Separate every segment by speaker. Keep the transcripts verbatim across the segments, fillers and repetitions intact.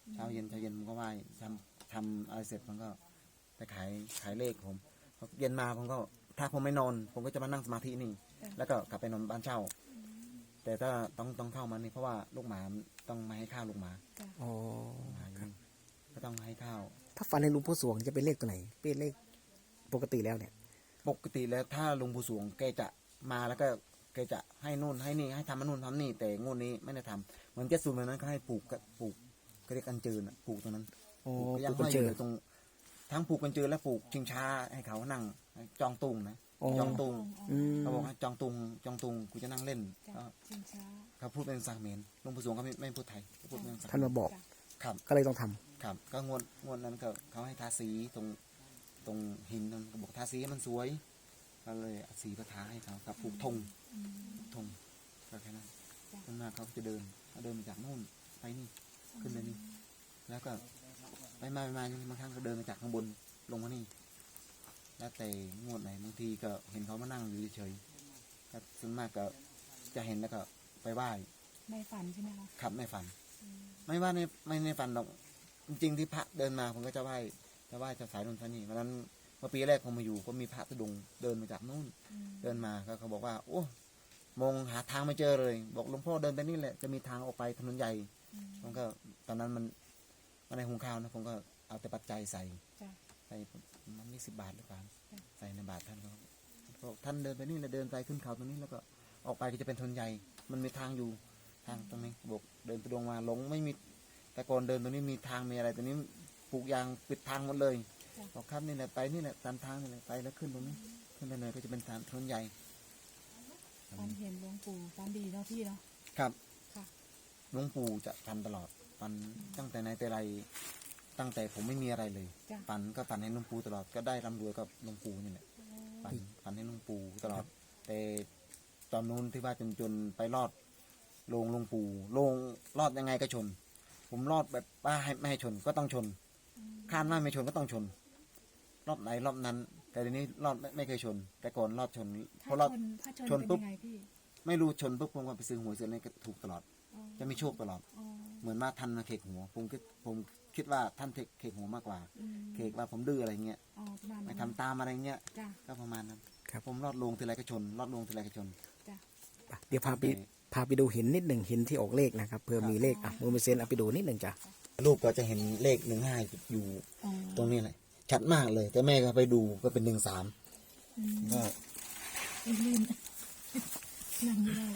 Speaker 1: เช้าเย็นเช้าเย็นผมก็ไหว้ทำทำอะไรเสร็จผมก็ไปขายขายเลขผมพอเย็นมาผมก็ถ้าผมไม่นอนผมก็จะมานั่งสมาธินี่แล้วก็กลับไปนอนบ้านเช่าแต่ถ้าต้องต้องเข้ามานี่เพราะว่าลูกหมาต้องมาให้ข้าวลูกหมา
Speaker 2: อ๋อ
Speaker 1: หมาอยู่นี่ก็ต้องให้ข้าว
Speaker 2: ถ้าฟันในหลุงพ่อสวงจะเป็นเลขตัวไหนเป็นเลขปกติแล้วเนี่ย
Speaker 1: ปกติแล้วถ้าลุงผู้สวงแกจะมาแล้วก็แกจะให้นู่นให้นี่ให้ทำนู่นทำนี่แต่งวดนี้ไม่ได้ทำเหมือนเจ็ดสูตรเหมือนนั้นก็ให้ปลูกก็ปลูกก็เรียกกันจืนปลูกตรงนั้น
Speaker 2: โอ้
Speaker 1: ปลูกยัง
Speaker 2: ปลูกกัน
Speaker 1: ห้อย
Speaker 2: เจ
Speaker 1: อ
Speaker 2: อ
Speaker 1: ยู่ตรงทั้งปลูกกันจืนและปลูกชิงช้าให้เขานั่งจองตุงนะ
Speaker 2: โอ้
Speaker 1: จองตุง
Speaker 2: อืม
Speaker 1: เขาบอกให้จองตุงจองตุงกูจะนั่งเล่น
Speaker 3: จ้ะ
Speaker 1: ก็
Speaker 3: ชิงช้า
Speaker 1: เขาพูดเป็นภาษาเขมรลุงผู้สวงก็ไม่ไม่พูดไทยเขาพูดเป็นภาษา
Speaker 2: ท่านมาบอก
Speaker 3: จ้ะ
Speaker 1: ครับ
Speaker 2: ก็เลยต้องทำ
Speaker 1: ครับก็งวดงวดนั้นก็เขาให้ทาสีตรงตรงหินนั่นก็บอกทาสีให้มันสวยก็เลยเอาสีประทาให้เขากับปลูกธง
Speaker 3: อืม
Speaker 1: ธงก็แค่นั้น
Speaker 3: จ้ะ
Speaker 1: ส่วนมากเขาจะเดินเขาเดินมาจากนู่นไปนี่ขึ้นไปนี่แล้วก็ไปมาไปมาบางครั้งก็เดินมาจากข้างบนลงมานี่แล้วแต่งวดไหนบางทีก็เห็นเขามานั่งอยู่เฉยๆก็ส่วนมากก็จะเห็นแล้วก็ไปไหว้
Speaker 3: ในฝันใช่ไหมคะ
Speaker 1: ขับไม่ฝัน ไม่ว่าในไม่ในฝันหรอกจริงๆที่พระเดินมาผมก็จะไหว้จะไหว้จะสายนนทนี่วันนั้นเมื่อปีแรกผมมาอยู่ก็มีพระตุดงค์เดินมาจากนู่น
Speaker 3: อืม
Speaker 1: เดินมาก็เขาบอกว่าโอ้มองหาทางไม่เจอเลยบอกหลวงพ่อเดินไปนี่แหละจะมีทางออกไปถนนใหญ่
Speaker 3: อืม
Speaker 1: ผมก็ตอนนั้นมันมันในหุงข้าวนะผมก็เอาแต่ปัจจัยใส่
Speaker 3: จ้ะ
Speaker 1: ใส่มันมีสิบบาทหรือเปล่า
Speaker 3: จ้ะ
Speaker 1: ใส่ในบาทท่านก็บอกท่านเดินไปนี่แหละเดินไปขึ้นเขาตรงนี้แล้วก็ออกไปก็จะเป็นถนนใหญ่ มันมีทางอยู่ทางตรงนี้บอกเดินไปดงมาหลงไม่มีแต่ก่อนเดินตรงนี้มีทางมีอะไรตรงนี้ปลูกยางปิดทางหมดเลยบอกครับนี่แหละไปนี่แหละตามทางนี่แหละไปแล้วขึ้นตรงนี้ขึ้นไปเลยก็จะเป็นทางถนนใหญ่
Speaker 3: ฝันเห็นหลวงปู่ฝันดีเนาะพี่เนาะ
Speaker 1: ครับ
Speaker 3: ค่ะ
Speaker 1: หลวงปู่จะฟันตลอดฟันตั้งแต่ในแต่ไรตั้งแต่ผมไม่มีอะไรเลย
Speaker 3: จ้ะ
Speaker 1: ฟันก็ฟันให้หลวงปู่ตลอดก็ได้ร่ำรวยกับหลวงปู่นี่แหละฟันฟันให้หลวงปู่ตลอด แต่ตอนนู้นที่ว่าจนจนไปรอดลงหลวงปู่ลงรอดยังไงก็ชน ผมรอดแบบว่าให้ไม่ให้ชนก็ต้องชนคาดว่าไม่ชนก็ต้องชน รอบไหนรอบนั้น แต่ทีนี้รอดไม่ไม่เคยชน แต่ก่อนรอดชนเพ
Speaker 3: ถ้า
Speaker 1: ราะรอด
Speaker 3: ชนถ้าชน
Speaker 1: ชน
Speaker 3: เป็น
Speaker 1: ปุ๊บ
Speaker 3: ยังไงพี่
Speaker 1: ไม่รู้ชนปุ๊บผมก็ไปซื้อหวยซื้ออะไรก็ถูกตลอด
Speaker 3: อ๋อ
Speaker 1: จะมีโชคตลอด
Speaker 3: อ๋อ
Speaker 1: เหมือนว่าท่านมาเขกหัวผมคิดผมคิดว่าท่านเขกหัวมากกว่า
Speaker 3: อืม
Speaker 1: เขกว่าผมดื้ออะไรเงี้ย
Speaker 3: อ๋อประมาณ
Speaker 1: ไม่
Speaker 3: นั้น
Speaker 1: ทำตามอะไรเงี้ย
Speaker 3: จ้ะ
Speaker 1: ก็ประมาณนั้น
Speaker 2: ครับ
Speaker 1: ผมรอดลงทีไรก็ชน รอดลงทีไรก็ชน
Speaker 3: จ้ะ
Speaker 2: ไปเดี๋ยวพาไปพาไปดูหินนิดหนึ่งหินที่ออกเลขนะครับเพื่อมีเลขอ่ะโมเมเซนเอาไปดูนิดหนึ่งจ้ะ
Speaker 1: ลูกก็จะเห็นเลขหนึ่งห้าอยู่
Speaker 3: อ๋อ
Speaker 1: ตรงนี้เลยชัดมากเลย แต่แม่ก็ไปดูก็เป็นหนึ่งสาม
Speaker 3: อืม
Speaker 1: ก็
Speaker 3: ลื่นนั่งไม่ได้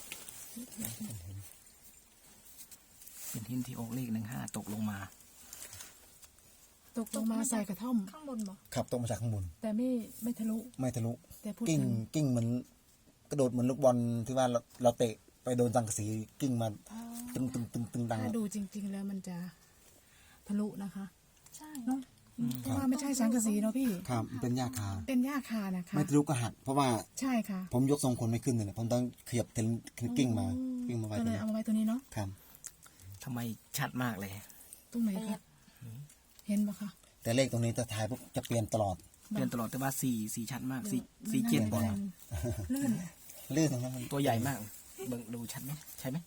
Speaker 2: เป็นหินที่ออกเลขหนึ่งห้าตกลงมา
Speaker 3: ตกลงมาใส่กระท่อม
Speaker 4: ข้างบนบ่
Speaker 1: ขับตกมาจากข้างบน
Speaker 3: แต่ไม่ไม่ทะลุ
Speaker 1: ไม่ทะลุ
Speaker 3: แต่พูด
Speaker 1: กิ้ง
Speaker 3: ถึง
Speaker 1: กิ้งเหมือนกระโดดเหมือนลูกบอลที่ว่าเราเราเตะไปโดนสังกะสีกิ้งมา
Speaker 3: อ๋อ
Speaker 1: ตึงตึงตึงตึงดัง
Speaker 3: ถ้าดูจริง ๆ แล้วมันจะทะลุนะคะ
Speaker 4: ใช่
Speaker 3: เนาะเพราะว่าไม่ใช่สังกะสีเนาะพี่
Speaker 1: ครับมันเป็นหญ้าคา
Speaker 3: เป็นหญ้าคานะคะ
Speaker 1: ไม่ทะลุก็หักเพราะว่า
Speaker 3: ใช่ค่ะ
Speaker 1: ผมยกทรงคนไม่ขึ้นเลยผมต้องขยับถึงกิ้งมากิ้งมาไว้
Speaker 3: ก็
Speaker 1: ตร
Speaker 3: เล
Speaker 1: ง
Speaker 3: ย
Speaker 1: นี้
Speaker 3: เอามาไว้ตัวนี้เนาะ
Speaker 1: ครับ
Speaker 2: ทำไมชัดมากเลย
Speaker 3: ตรงไหนคะเห็นปะคะ
Speaker 1: แต่เลขตรงนี้จะถ่ายปุ๊บจะเปลี่ยนตลอด
Speaker 2: เปลี่ยนตลอดแต่ว่าสีสีชัดมากสีสีเจ็ด
Speaker 1: เปลี่ยนตลอด
Speaker 3: ลื่น
Speaker 1: ลื่นตรงนั้นมัน
Speaker 2: ตัวใหญ่มากเบิ่งดูชัดไหมใช่ไหม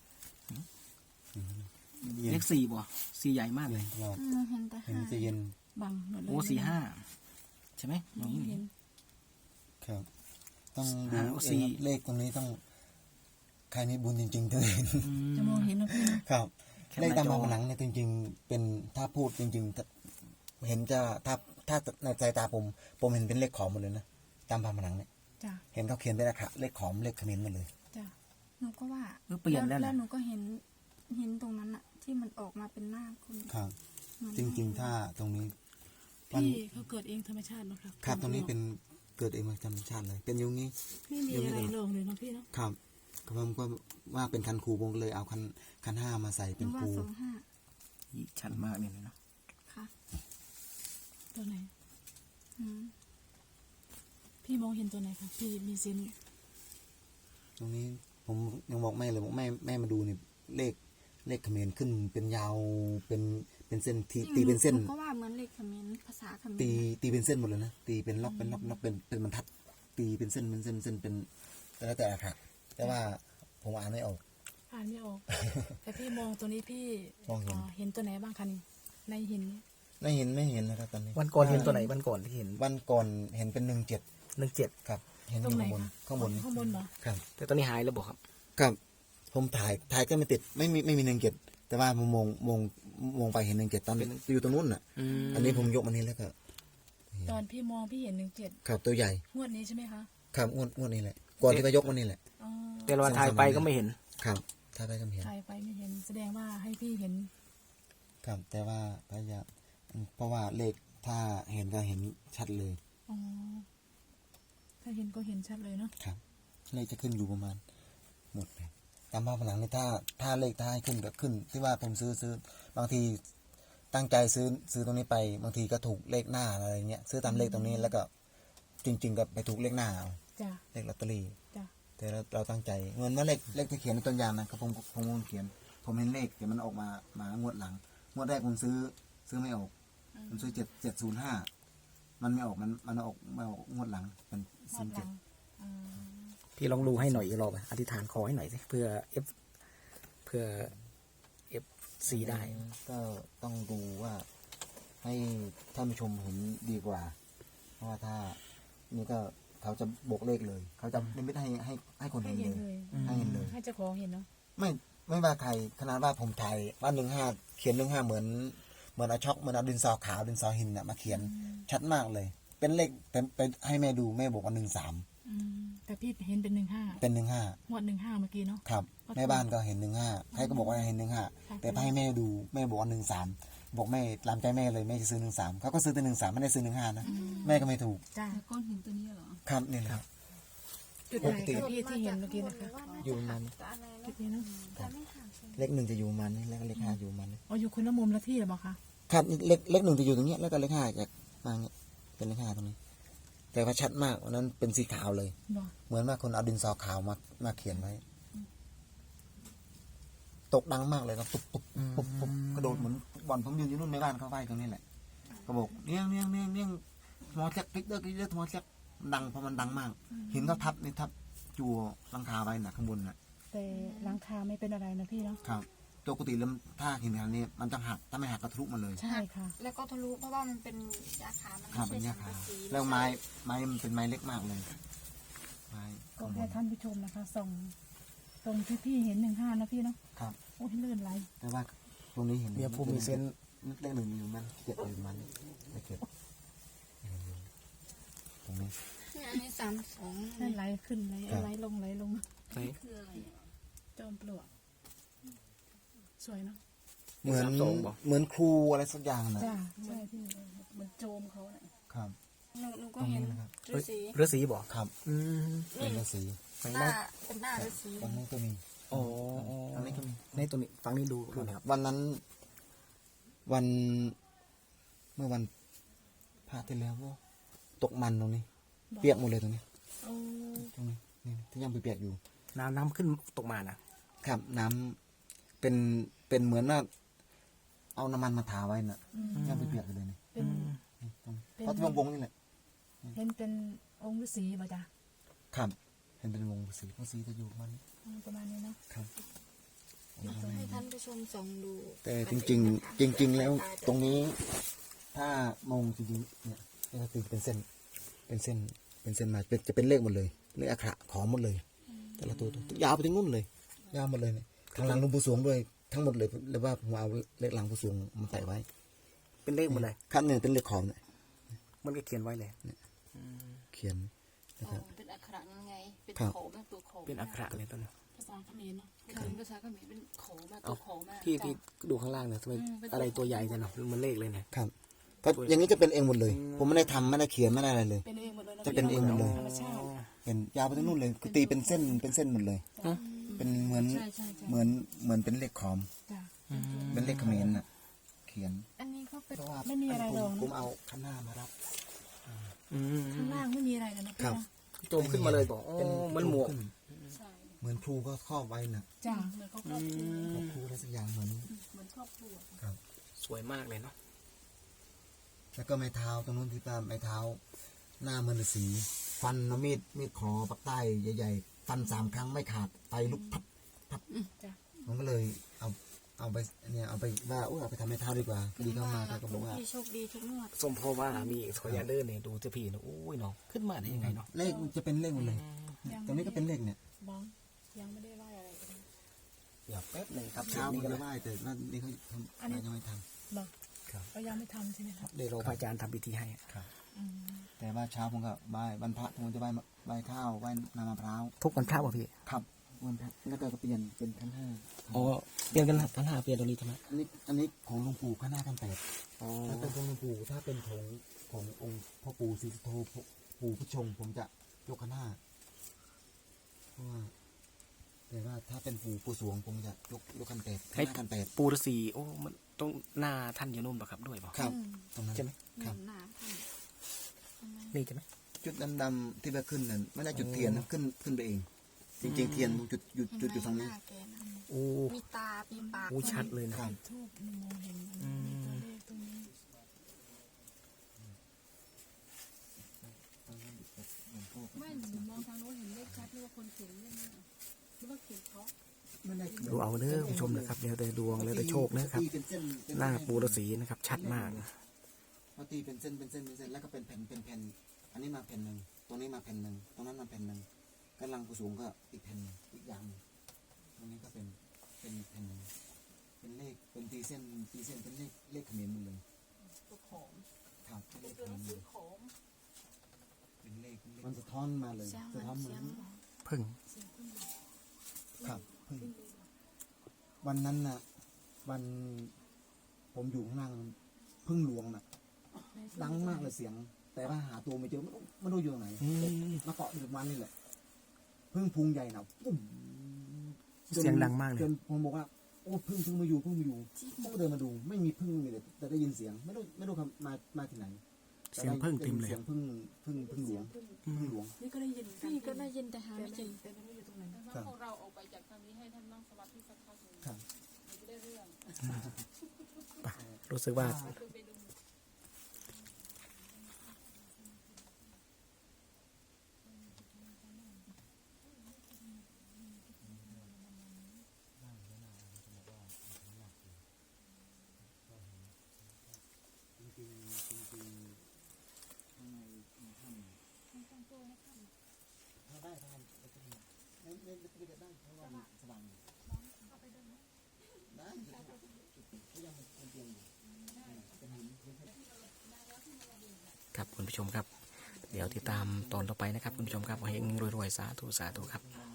Speaker 1: เย็น
Speaker 2: เลขสี่บ่สีใหญ่มากเลย
Speaker 1: ตลอด
Speaker 4: อืมเห็นแต่
Speaker 1: เห็น
Speaker 4: ห้า
Speaker 1: มันจะเย็น
Speaker 3: บังหมดเลย
Speaker 2: โอ้สี่ห้าใช่ไหมอ
Speaker 3: มอย่าง
Speaker 2: นี้
Speaker 3: เห็น
Speaker 1: ครับ ต้องดู
Speaker 2: ห้า
Speaker 1: เอง
Speaker 2: สี่
Speaker 1: ครับเลขตรงนี้ต้องใครมีบุญจริงๆถึงเห็น
Speaker 2: อืม
Speaker 3: จะมองเห็นนะพี่
Speaker 1: ครับ
Speaker 2: แค่
Speaker 1: เลขตาม
Speaker 2: หน้าจอ
Speaker 1: ผนังเนี่ยจริง ๆ เป็นถ้าพูดจริงๆถ้าเห็นจะถ้าถ้าในสายตาผม ผมเห็นเป็นเลขขอมหมดเลยนะตามผนังเนี่ย
Speaker 3: จ้ะ
Speaker 1: เห็นเขาเขียนเป็นเลขขะเลขขอมเลขเขมิ้นหมดเลย
Speaker 3: จ้ะ
Speaker 4: หนูก็ว่า
Speaker 2: เออเปลี่ยนแล้ว
Speaker 4: แล้
Speaker 2: นะ
Speaker 4: วหนูก็เห็นเห็นตรงนั้นอะที่มันออกมาเป็นหน้าคน
Speaker 1: ครับ
Speaker 4: เหมือน
Speaker 1: จริง ๆ ถ้าตรงนี้
Speaker 3: พี่เขาเกิดเองธรรมชาติเนาะครับ
Speaker 1: ครับตรงนี้เป็นเกิดเองมาธรรมชาติเลย เป็นอยุงนี้
Speaker 3: ไม่มีอะไรลงเลยเนาะพี่เนาะ
Speaker 1: ครับก็ผมก็ว่าเป็นคันครูผมก็เลยเอาคันคันห้ามาใส่
Speaker 4: ห
Speaker 1: เป็
Speaker 4: นู
Speaker 1: น
Speaker 4: ว่า
Speaker 1: ครู
Speaker 4: สองห้า
Speaker 2: ชัดมากเนี่ยเนาะ
Speaker 4: ค่ะ
Speaker 3: ตัวไหน
Speaker 4: อืม
Speaker 3: พี่มองเห็นตัวไหนคะพี่มีเซนส์
Speaker 1: ตรงนี้ผมยังบอกแม่เลยบอกแม่แม่มาดูนี่เลขเลขเขมรขึ้นเป็นยาวเป็นเป็นเส้นทีตีเป็นเส้น
Speaker 4: หนูก็ว่าเหมือนเลขเขมรภาษาเขมร
Speaker 1: ตีตีเป็นเส้นหมดเลยนะตีเป็นล็อกเป็นล็อกล็อกเป็นเป็นบรรทัด ตีเป็นเส้นเป็นเส้นเส้นเป็นแต่แล้วแต่ละค่ะแต่ว่าผมอ่านไม่ออก
Speaker 3: อ่านไม่ออก แต่พี่มองตัวนี้พี่
Speaker 1: มองเห็น
Speaker 3: เอ่อเห็นตัวไหนบ้างคะนี่ในหิน
Speaker 1: ไม่เห็นไม่เห็นนะครับตอนนี้
Speaker 2: วันก่อนเห็นตัวไหนวันก่อนที่เห็น
Speaker 1: วันก่อนเห็นเป็นหนึ่งเจ็ด
Speaker 2: หนึ่งเจ็ด
Speaker 1: ครับ เห็นอ
Speaker 3: ตรง
Speaker 1: ยู่
Speaker 3: ไหน
Speaker 1: ข้างบน
Speaker 3: คะ
Speaker 1: ข้างบน
Speaker 3: ข้างบนเหรอ
Speaker 1: ครับ
Speaker 2: แต่ตอนนี้หายแล้วบอกครับ
Speaker 1: ครับผมถ่ายถ่ายก็ไม่ติดไม่มีไม่มีหนึ่งเจ็ดแต่ว่าผมมองมองมองไปเห็นหนึ่งเจ็ดตอนอยู่ตรงนู้นอ่ะ
Speaker 2: อืม
Speaker 1: อันนี้ผมยกมานี้แล้วก็
Speaker 3: ตอนพี่มองพี่เห็นหนึ่งเจ็ด
Speaker 1: ครับตัวใหญ่
Speaker 3: งวดนี้ใช่ไหมคะ
Speaker 1: ครับงวดงวดนี้แหละก่อนที่จะยกมานี่แหละ
Speaker 3: อ๋อ
Speaker 2: แต่เราถ่ายไปก็ไม่เห็น
Speaker 1: ครับถ้าได้ก็เห็น
Speaker 3: ถ่ายไปไม่เห็น แสดงว่าให้พี่เห็น
Speaker 1: ครับ แต่ว่าพยายามเพราะว่าเลขถ้าเห็นก็เห็นชัดเลย
Speaker 3: อ๋อถ้าเห็นก็เห็นชัดเลยเนาะ
Speaker 1: ครับ เลขจะขึ้นอยู่ประมาณหมดเลยตามภาพผนังนี่ถ้าถ้าเลขถ้าให้ขึ้นก็ขึ้น ที่ว่าผมซื้อซื้อบางทีตั้งใจซื้อซื้อตรงนี้ไป บางทีก็ถูกเลขหน้าอะไรเงี้ยซื้อตามเลขตรงนี้แล้วก็จริง ๆ ก็ไปถูกเลขหน้าเอา
Speaker 3: จ้ะ
Speaker 1: เลขลอตเตอรี่
Speaker 3: จ้ะ
Speaker 1: แต่เราเราตั้งใจเหมือนว่าเลขเลขที่เขียนในต้นยางนะครับผมผมผมเขียน ผมเห็นเลขแต่มันออกมามางวดหลังงวดแรกผมซื้อซื้อไม่ออกผมซื้อเจ็ดเจ็ดศูนย์ห้ามันไม่ออกมันมันออกไม่ออกงวดหลังเป็น
Speaker 3: ง
Speaker 1: ศู
Speaker 3: วด
Speaker 1: นย์
Speaker 3: ห
Speaker 1: เจ็
Speaker 3: ลั
Speaker 1: ด
Speaker 3: งอืม
Speaker 2: พี่ลองดูให้หน่อยอีกรอบอะอธิษฐานขอให้หน่อยสิเพื่อเอฟเพื่อเอฟซีได้
Speaker 1: ก็ต้องดูว่าให้ท่านผู้ชมเห็นดีกว่า เพราะว่าถ้านี่ก็เขาจะบวกเลขเลย เขาจะไม่ได้ให้ให้ให้คน
Speaker 3: ให้
Speaker 1: เห็น
Speaker 3: เห็น
Speaker 1: เลย
Speaker 3: เลย
Speaker 1: ให้เห็นเลย
Speaker 3: ให้เจ้าของเห็นเนาะ
Speaker 1: ไม่ไม่ว่าใครขนาดว่าผมถ่ายว่าหนึ่งห้าเขียนหนึ่งห้าเหมือนเหมือนเอาช็อกเหมือนเอาดินสอขาวดินสอหินน่ะมาเขียนชัดมากเลย เป็นเลขแต่ไปให้แม่ดูแม่บอกว่าหนึ่งสาม
Speaker 3: อืมแต่พี่เห็นเป็นหนึ่งห้า
Speaker 1: เป็นหนึ่งห้าง
Speaker 3: วดหนึ่งห้าเมื่อกี้เนาะ
Speaker 1: ครับแม่บ้านก็เห็นหนึ่งห้าใครก็บอกว่าเห็นหนึ่งห้าแต่ไปให้แม่ดูแม่บอกว่าหนึ่งสามบอกแม่ตามใจแม่เลยแม่จะซื้อหนึ่งสามเขาก็ซื้อแต่หนึ่งสามไม่ได้ซื้อหนึ่งห้านะแม่ก็ไม่ถูก
Speaker 3: จ้ะ
Speaker 4: ก้อนหินตัวนี้เหรอ
Speaker 1: ครับนี่แหละ
Speaker 3: จุดไหนคะพี่ที่เห็นเมื่อกี้นะคะ
Speaker 1: อยู่ประมาณนี้
Speaker 3: จุดนี้เนาะ
Speaker 1: เลขหนึ่งจะอยู่ประมาณนี้แล้วก็เลขห้าอยู่ประมาณนี้
Speaker 3: อ๋ออยู่คนละมุมละที่หรือเปล่าคะ
Speaker 1: ครับเลขเลขหนึ่งจะอยู่ตรงเนี้ยแล้วก็เลขห้าจะมาเนี้ยเป็นเลขห้าตรงนี้ แต่ว่าชัดมากวันนั้นเป็นสีขาวเลย
Speaker 3: บอก
Speaker 1: เหมือนว่าคนเอาดินสอขาวมามาเขียนไว้ ตกดังมากเลยครับตุบตุบปุ๊บปุ๊บกระโดดเหมือนบอลผมยืนอยู่นู่นในบ้านเขาไหว้ตรงนี้แหละก็บอกเนี้ยงเนี้ยงเนี้ยงเนี้ยงมอแจ็คติ๊กเดอร์ติ๊กเดอร์มอแจ็คดังเพราะมันดังมากหินเขาทับนี่ทับจัวหลังคาไว้น่ะข้างบนน่ะ
Speaker 3: แต่หลังคาไม่เป็นอะไรนะพี่เนาะ
Speaker 1: ครับตัวปกติแล้วถ้าหินขนาดนี้มันจะหักถ้าไม่หักก็ทะลุมาเลย
Speaker 3: ใช่ค่ะ
Speaker 4: แล้วก็ทะลุเพราะว่ามันเป็นยาขา มัน
Speaker 1: ครับ
Speaker 4: ไม่
Speaker 1: เป็น
Speaker 4: ใช่
Speaker 1: ยา
Speaker 4: สัง
Speaker 1: ขาก
Speaker 4: ะสี
Speaker 1: แล้วไม้ไม้มันเป็นไม้เล็กมากเลยไม้
Speaker 3: ก็
Speaker 1: ข้างบ
Speaker 3: ให้
Speaker 1: น
Speaker 3: ท่านผู้ชมนะคะส่องตรงที่พี่เห็นหนึ่งห้านะพี่เนาะ
Speaker 1: ครับ
Speaker 3: โอ้ยลื่นไหล
Speaker 1: แต่ว่าตรงนี้เห็น
Speaker 2: เมียผู้มีเซนส์
Speaker 1: เลขหนึ่งอยู่มันเจ็ดอยู่มันเลขเจ็ดตรงนี้
Speaker 4: อันนี้สามสอง
Speaker 3: ลื่นไหลขึ้นไหล
Speaker 1: ครับ
Speaker 3: ไหลลงไหลลง
Speaker 2: ไหน
Speaker 4: คืออะไรอะ
Speaker 3: จอมปลวกสวยเนาะ
Speaker 1: เหมือน
Speaker 2: สามสองบอก
Speaker 1: เหมือนครูอะไรสักอย่างนะ
Speaker 3: จ้าใช่พี่เหมือนโจมเขาเนี่ย
Speaker 1: ครับ
Speaker 4: หนูหนู
Speaker 1: ต
Speaker 4: ก็
Speaker 1: รง
Speaker 4: เห็น
Speaker 1: นี้นะครับ
Speaker 4: ฤาษี
Speaker 2: เรือสีบอก
Speaker 1: ครับ
Speaker 2: อืม
Speaker 1: เป็นฤาษี
Speaker 2: ไหน
Speaker 4: หน้า
Speaker 2: นะ
Speaker 4: เป็นหน้าฤาษี
Speaker 1: ตรงนี้ก็มี
Speaker 2: โอ้
Speaker 1: ตรงนี้ก็มี
Speaker 2: ในตัวนี้ฟังนี้ดูดูหนะครับ
Speaker 1: วันนั้น วันเมื่อวันพระที่แล้วก็ตกมันตรงนี้ เปียกหมดเลยตรงนี้
Speaker 3: โอ้
Speaker 1: ตรงนี้นี่ที่ยังเปียกๆอยู่
Speaker 2: น้ำน้ำขึ้นตกมานะครับ
Speaker 1: น้ำเป็นเป็นเหมือนว่าเอาน้ำมันมาทาไว้น่ะยังเปียกๆอยู่เลยนี่
Speaker 3: เป็น
Speaker 1: นี่ตรงนี้
Speaker 3: เป็น
Speaker 1: เพราะที่วงๆนี่แหละ
Speaker 3: เห็นเป็นองค์ฤาษีป่ะจ้ะ
Speaker 1: ครับเห็นเป็นวงสีวงสีจะอยู่ประมัน
Speaker 3: อืมประมาณนี้เนาะ
Speaker 1: ครับ
Speaker 4: จะให้ท่านผู้ชมส่องดู
Speaker 1: แต่จริง ๆ จริง ๆ แล้วตรงนี้ ถ้ามองจริงๆเนี่ยก็คือเป็นเส้น เป็นเส้น เป็นเส้นมาเป็นจะเป็นเลขหมดเลยเลขอักขระของหมดเลย แต่ละตัวตัวยาวไปถึงนู่นเลย ยาวหมดเลยเนี่ยทางหลังหลวงปู่สวงด้วยทั้งหมดเลยหรือว่าผมเอาเลขหลังปู่สวงมาใส่ไว้
Speaker 2: เป็นเลขหมดเลย
Speaker 1: ขั้นหนึ่งเป็นเลขขอมเนี่ย
Speaker 2: มันก็เขียนไว้เลย
Speaker 1: เขียนนะ
Speaker 4: อ๋
Speaker 1: ค
Speaker 4: อ
Speaker 1: รับ
Speaker 4: เป็นอักขระยังไง เป็น
Speaker 1: ครับ
Speaker 4: โขมาตัวโข
Speaker 2: เป็นอักขระเลยตัวนี้
Speaker 3: ภาษาเขมรเนาะ
Speaker 4: คือภาษาเขมรเป็นโขมาตัวโขมา
Speaker 2: พี่พี่ดูข้างล่างเนี่ยทำไมอะไรตัวใหญ่จังเนาะมันเลขเลยเนี่ย
Speaker 1: ครับก็อย่างนี้จะเป็นเองหมดเลย ผมไม่ได้ทำไม่ได้เขียนไม่ได้อะไรเลย
Speaker 3: เป็นเองหมดเลย
Speaker 1: จะเป็นเองหมดเลย
Speaker 3: ธรรมชาติ
Speaker 1: เป็นยาวไปถึงนู่นเลยคือตีเป็นเส้นเป็นเส้นหมดเลย เป็นเหมือน
Speaker 4: ใช่ใช่ใช่
Speaker 1: เหมือนเหมือนเป็นเลขขอม
Speaker 3: จ้ะ
Speaker 1: เป็นเลขเขมรน่ะ เขียน
Speaker 4: อันนี้เขาเป็น
Speaker 1: เพราะว่า
Speaker 3: ไม่มีอะไรหรอก
Speaker 1: ผมเอาข้างหน้ามารับ
Speaker 2: อืม
Speaker 3: ข้างล่างไม่มีอะไรเลยนะพี่
Speaker 1: ครับ
Speaker 3: เนาะ
Speaker 2: โจมขึ้นมาเลยบอกอ๋อมันหมวก
Speaker 1: ขึ้น
Speaker 4: ใช่
Speaker 1: เหมือนครูก็ครอบไว้น่ะ
Speaker 3: จ้ะ
Speaker 4: เหมือนเขาครอบครัว
Speaker 1: ครอบครูอะไรสักอย่างเหมือน
Speaker 4: เหมือนครอบครัว
Speaker 1: ครับ
Speaker 2: สวยมากเลยเนาะ
Speaker 1: แล้วก็ไม้เท้าตรงนู้นที่ป้าไม้เท้า หน้าเหมือนฤาษีฟันเอามีดมีดขอปักใต้ใหญ่ๆฟันสามครั้งไม่ขาดไฟลุกพับพับ
Speaker 3: จ้ะ
Speaker 1: ผมก็เลยเอาเอาไปเนี่ยเอาไปว่าอุ้ยเอาไปทำให้เท้าดีกว่าพอดีเข้ามาเขาก็บอกว่า
Speaker 4: พี่โชคดีทุกงวด
Speaker 2: สมพอว่ามีขอยาเดินเนี่ยดูเจะพี่เนาะโอ้ยเนาะขึ้นมาได้ยังไงเนาะ
Speaker 1: เลขมันจะเป็นเลขหมดเลย
Speaker 3: ยัง
Speaker 1: ตรงนี้ก็เป็นเลขเนี่ย
Speaker 3: บ้องยังไม่ได้ไหวอะไรเลย
Speaker 2: เดี๋ยวแป๊บหนึ่งครับ
Speaker 1: เช้า
Speaker 2: นี้
Speaker 1: มัน
Speaker 2: ก็
Speaker 1: จะไหว้แต่ว่านี่เขาทำอะไรยังไม่ท
Speaker 3: บ้อง
Speaker 2: ครับ
Speaker 3: เรายังไม่ทำใช่ไหมครับ
Speaker 2: เดี๋ยวรอพระอาจารย์ทำพิธีให้
Speaker 1: ำครับ
Speaker 3: อืม
Speaker 1: แต่ว่าเช้าผมก็ไหว้วันพระผมจะไหว้ไหว้ข้าวไหว้น้ำมะพร้าว
Speaker 2: ทุกวันพระป่ะพี่
Speaker 1: ครับวันพระแล้วก็เปลี่ยนเป็นขั้นห้า
Speaker 2: อ๋อเปลี่ยนกันละทั้งห้าเปลี่ยนตรงนี้ใช่ไหม
Speaker 1: อันนี้อันนี้ของหลวงปู่ขั้นห้าขั้นแปด
Speaker 2: อ๋อ
Speaker 1: ถ้าเป็นของหลวงปู่ถ้าเป็นของขององค์พ่อปู่ศรีสุโธปู่ผู้ชงผมจะยกขั้นห้าเพราะว่าแต่ว่าถ้าเป็นปู่ปู่สวงผมจะยกยกขั้นแปดขั้นห้าขั้นแปด
Speaker 2: ปูฤาษีโอ้มันต้องหน้าท่านอยู่นู่นป่ะครับด้วยป่ะ
Speaker 1: ครับ
Speaker 4: อืม
Speaker 1: ตรงนั้น
Speaker 2: ใช่ไหม
Speaker 1: ค
Speaker 4: ห
Speaker 1: รับ
Speaker 4: นุนหนาท่านใช่ไหม
Speaker 2: นี่ใช่ไหม
Speaker 1: จุดดำๆที่ว่าขึ้นนั่นไม่ได้จุดเทียนนะขึ้นขึ้นไปเอง จริงๆเทียนจุดจุด
Speaker 4: เห็น
Speaker 1: จุดอยู่
Speaker 4: ไหม
Speaker 1: ตรง
Speaker 4: ห
Speaker 1: นี้
Speaker 4: น้าแกนะ
Speaker 2: โอ้
Speaker 4: มีตา มีปาก
Speaker 2: โอ้ชัดเลยนะ
Speaker 1: ครับ
Speaker 3: ทูบมองเห็นอันนี้ตัวเลขตรงนี้ไม่หนูมองทางโน้นเห็นเลขชัดหรือว่าคนเขียนเล่นเนี่ยหรือว่าเขียนเพราะ
Speaker 1: ไม่ได้
Speaker 2: ดูเอาเด้อผู้ชมนะครับเดี๋ยวแต่ดวงแล้วแต่โชคนะครับ
Speaker 1: ตีเป็นเส้นเป็
Speaker 2: หน้าปูฤาษีนะครับ ชัดมาก
Speaker 1: เขาตีเป็นเส้นเป็นเส้นเป็นเส้นแล้วก็เป็นแผ่นเป็นแผ่นอันนี้มาแผ่นหนึ่งตรงนี้มาแผ่นหนึ่งตรงนั้นมาแผ่นหนึ่งกำลังผู้สูงก็อีกแผ่นหนึ่งอีกอย่างหนึ่งตรงนี้ก็เป็นเป็นแผ่นหนึ่งเป็นเลขเป็นตีเส้นตีเส้นเป็นเลขเลขเขมรหมดเลย
Speaker 3: ตัวของ
Speaker 1: ครับเป็นเลข
Speaker 3: ตัว
Speaker 1: เข
Speaker 3: หนัง
Speaker 1: ม
Speaker 3: สื
Speaker 1: ร
Speaker 3: อของ
Speaker 1: เป็นเลขมันสะท้อนมาเลย
Speaker 4: เสียงเห
Speaker 1: สะ
Speaker 4: มือน
Speaker 1: ท้อนเหมื
Speaker 4: เสี
Speaker 1: อย
Speaker 4: ง
Speaker 1: น
Speaker 2: พึ่ง
Speaker 3: เสียงขึ้นมา
Speaker 1: ครับเพิ่งวันนั้นน่ะ วันผมอยู่ข้างล่างพึ่งหลวงน่ะ ดังมากเลยเสียง แต่ว่าหาตัวไม่เจอไม่รู้ไม่รู้อยู่ตรงไหน
Speaker 2: อืม
Speaker 1: มาเกาะอยู่ตรงนั้นนี่แหละพึ่งพุงใหญ่หนาปุ้มจน
Speaker 2: เสียงดังมากเลย
Speaker 1: จนผมบอกว่าโอ้พึ่งพึ่งมาอยู่พึ่งมาอยู่ผมก็เดินมาดู ไม่มีพึ่งมีแต่แต่ได้ยินเสียง ไม่รู้ไม่รู้คำมามาที่ไหน
Speaker 2: เสียงพึ่งเต็มเลย
Speaker 1: เสียงพึ่งพึ่งพึ่งหลวงพึ่งหลวง
Speaker 3: นี่ก็ได้ยิน
Speaker 4: พี่ก็ได้ยินแต่หา
Speaker 3: แต่
Speaker 4: ไม่เจ
Speaker 3: ไม่
Speaker 4: อ
Speaker 3: แต่ไม่รู้อยู่ตรงไหน
Speaker 1: ครับ
Speaker 5: พวกเราออกไปจากทางนี้ให้ท่านนั่งสมาธิสักพักหนึ่ง
Speaker 1: ครับ
Speaker 5: จะได้เรื่อง
Speaker 2: รู้สึกว่า
Speaker 5: คือไปดู
Speaker 1: จริงๆจริงๆข้างในในถ้ำถ้าได้ถ้าไม่ไม่ไม่ไม่ได้ได้เพราะว่ามันสว่างอยู่ได้ก็ยังเป็นเตียงอยู่เป็นหินเป็นเพชร
Speaker 2: ครับคุณผู้ชมครับ เดี๋ยวติดตามตอนต่อไปนะครับคุณผู้ชมครับเฮงรวยๆสาธุสาธุครับ